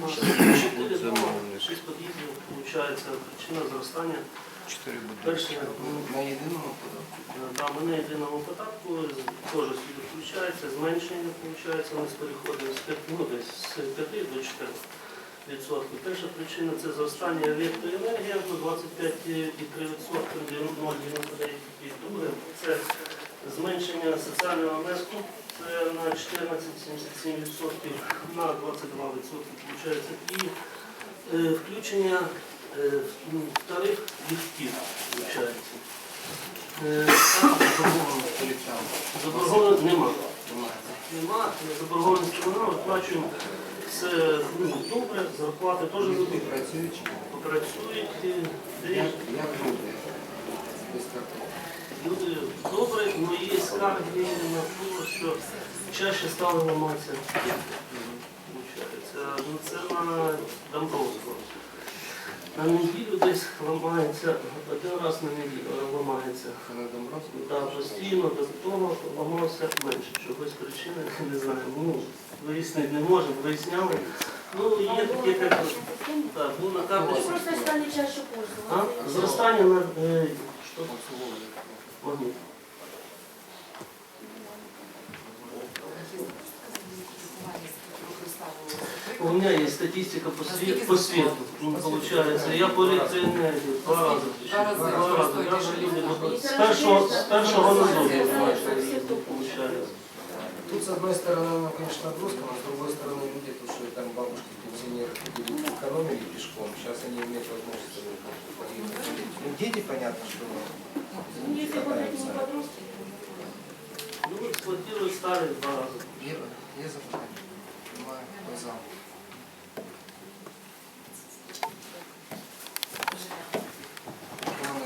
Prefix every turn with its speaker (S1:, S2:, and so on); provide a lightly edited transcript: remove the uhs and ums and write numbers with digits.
S1: 4 дома, 6 під'їздів, виходить, причина зростання. Перше,
S2: На єдиному податку?
S1: да, ми на єдиному податку, теж сюди включається, зменшення, виходить, ми переходимо з 5 до 4%. Перша причина – це зростання електроенергії до 25,3%, 0,99. Друге – це зменшення соціального внеску, це на 14,77%, на 22%, виходить, і включення в тариф ліфтів, виходить. Заборгованості немає. Заборгованості вона, виплачуємо все добре, зарплати теж працюють.
S2: Як добре?
S1: Люди добре, але є скарги на те, що чаще стали ламатися. Це на Домбровського. На неділю десь ламається, один раз на неділю ламається.
S2: На Домбровського?
S1: Так, постійно, до того ламався менше. Чогось причини, не знаю. Вияснити не можемо, виясняли. Є таке, як так, на карточку.
S3: Просто стали чаще пользоваться.
S1: Зростання на що? Магніт. У меня есть статистика по свету. Получается, я по электроэнергии 2 раза. Даже люди с першого назову получается.
S2: Тут, с одной стороны, оно, конечно, нагрузка, но с другой стороны, люди, потому что там бабушки, пенсионеры экономили пешком, сейчас они имеют возможность поехать. Ну, дети, понятно, что
S3: Если вот эти подростки.
S1: Эксплуатируют старые 2 раза.
S2: Я запомнил.